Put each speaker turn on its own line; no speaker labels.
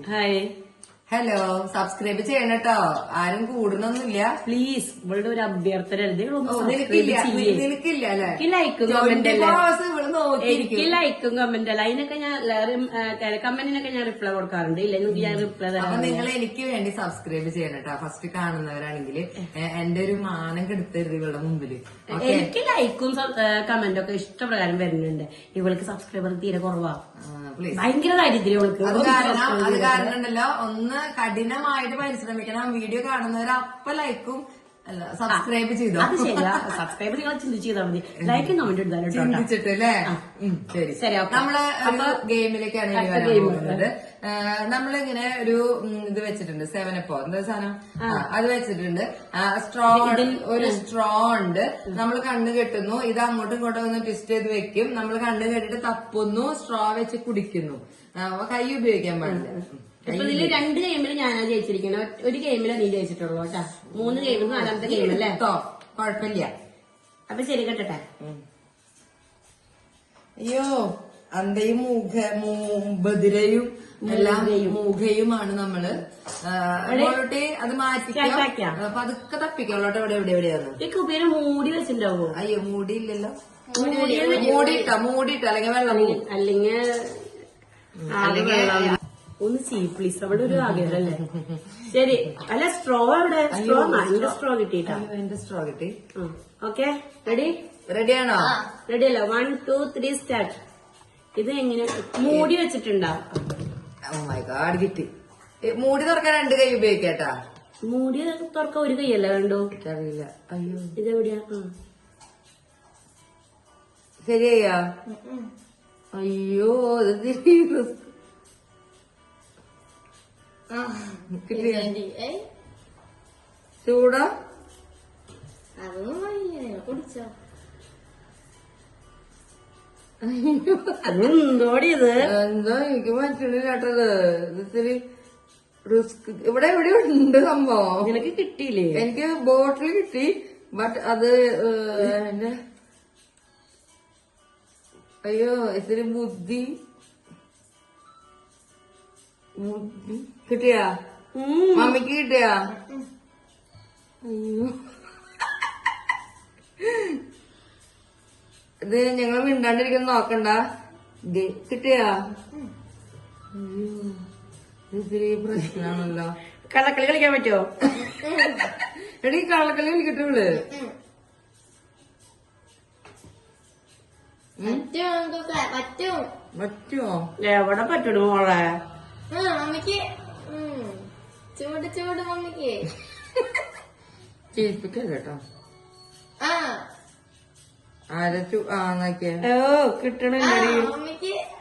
Hi.
Hello, subscribe ചെയ്യണം കേട്ടോ. ആരും കൂടണൊന്നുമില്ല.
പ്ലീസ്, ഇവളുടെ ഒരു അഭ്യർത്ഥന.
നിനക്കില്ല അല്ലെ?
എനിക്ക് ലൈക്കും കമന്റ് അല്ല. അതിനൊക്കെ ഞാൻ കമന്റിനൊക്കെ ഞാൻ റിപ്ലൈ കൊടുക്കാറുണ്ട്. ഇല്ലെങ്കിൽ ഞാൻ റിപ്ലൈ
അപ്പൊ
തരാം.
നിങ്ങൾ എനിക്ക് വേണ്ടി സബ്സ്ക്രൈബ് ചെയ്യണം കേട്ടോ. ഫസ്റ്റ് കാണുന്നവരാണെങ്കിൽ എന്റെ ഒരു മാനം കെടുത്തരുത് ഇവളുടെ മുമ്പില്.
എനിക്ക് ലൈക്കും കമന്റും ഒക്കെ ഇഷ്ടപ്രകാരം വരുന്നുണ്ട്. ഇവൾക്ക് സബ്സ്ക്രൈബർ തീരെ കുറവാ. ഭയങ്കര ദാരിദ്ര്യം ഇവൾക്ക്.
അത് കാരണം ഉണ്ടല്ലോ, ഒന്ന് കഠിനമായിട്ട് പരിശ്രമിക്കണം. വീഡിയോ കാണുന്നവർ അപ്പൊ ലൈക്കും അല്ല സബ്സ്ക്രൈബ് ചെയ്തോ.
അത് ശരിയാ. സബ്സ്ക്രൈബ് നിങ്ങൾ ചിന്തിച്ച് ചെയ്താൽ മതി. ലൈക്കും കമന്റ് ഇടാൻ
ചിന്തിച്ചിട്ട് അല്ലേ? ശരി. നമ്മള് ഒരു ഗെയിമിലേക്കാണ് വരാൻ പോകുന്നത്. നമ്മളിങ്ങനെ ഒരു ഇത് വെച്ചിട്ടുണ്ട്, 7up എന്താ സാധനം, അത് വെച്ചിട്ടുണ്ട്. ഒരു സ്ട്രോ ഉണ്ട്. നമ്മൾ കണ്ണ് കെട്ടുന്നു, ഇത് അങ്ങോട്ടും ഇങ്ങോട്ടും ഒന്ന് ട്വിസ്റ്റ് ചെയ്ത് വെക്കും. നമ്മൾ കണ്ണ് കെട്ടിട്ട് തപ്പുന്നു, സ്ട്രോ വെച്ച് കുടിക്കുന്നു. കൈ ഉപയോഗിക്കാൻ പാടില്ല.
ഇപ്പൊ ഇതില് 2 ഗെയിമിൽ ഞാനാ ജയിച്ചിരിക്കുന്നത്. ഒരു ഗെയിമിലാ നീ ജയിച്ചിട്ടുള്ളൂ കേട്ടാ. 3 ഗെയിമിൽ 4ാമത്തെ ഗെയിം അല്ലേ?
കുഴപ്പമില്ല.
അപ്പൊ ശരി കേട്ടെ.
അയ്യോ, അന്തയും ബദിരയും എല്ലാം മൂഖയുമാണ് നമ്മള്. അത് മാറ്റിക്കാം. പതുക്കെ തപ്പിക്കോളോട്ടെ. എവിടെയാണ്
ഈ കുപ്പീനെ മൂടി വെച്ചിട്ടുണ്ടാവോ?
അയ്യോ, മൂടിയില്ലല്ലോ. മൂടിയിട്ടോ അല്ലെങ്കിൽ വെള്ളം
അല്ലെങ്കിൽ ഒന്ന് ചെയ്യ് പ്ലീസ്. അവിടെ ഒരു ആഗ്രഹമല്ലേ? ശരി. അല്ല, സ്ട്രോ എവിടെ? സ്ട്രോ എന്റെ സ്ട്രോ കിട്ടിട്ടാ.
എന്റെ സ്ട്രോ കിട്ടി.
ഓക്കെ,
റെഡിയാണോ?
റെഡി അല്ല. 1 2 3 സ്റ്റാർട്ട്. ഇത് എങ്ങനെ മൂടി വെച്ചിട്ടുണ്ടാ?
ഓ മൈ ഗോഡ്, കിട്ടി. മൂടി തുറക്കാൻ 2 കൈ ഉപയോഗിക്കാട്ടാ.
മൂടി തുറക്കാൻ 1 കൈയല്ല വേണ്ടോ?
അറിയില്ല. അയ്യോ,
ഇതെവിടെയാ?
ശരിയാ? അയ്യോ, ചൂടാ?
എന്തോടിയത്?
എന്തോ എനിക്ക് പറ്റണില്ല കേട്ടത്. ഇത്തിരി റിസ്ക്. ഇവിടെ ഉണ്ട് സംഭവം.
നിനക്ക് കിട്ടിയില്ലേ?
എനിക്ക് ബോട്ടിൽ കിട്ടി. ബട്ട് അത് എന്റെ അയ്യോ, ഇത്തിരി ബുദ്ധി കിട്ടിയാ? മമ്മിക്ക് കിട്ടിയാ? അയ്യോ, ഇത് ഞങ്ങൾ മിണ്ടാണ്ടിരിക്കുന്ന നോക്കണ്ട. കിട്ടിയാ? അയ്യോ, ഇത്തിരി പ്രശ്നമാണല്ലോ.
കള്ളക്കളി കളിക്കാൻ പറ്റുമോ?
എടീ, കള്ളക്കളി കളിക്കട്ടുള്ളു. പറ്റുമോ?
എവിടെ പറ്റണു മോളെ?
മമ്മിക്ക് ചൂട് ചൂട് മമ്മിക്ക്
ചിരിപ്പിക്കല്ല കേട്ടോ. ആരച്ചു നോക്കിയ
ഓ കിട്ടണില്ലടി.
മമ്മിക്ക്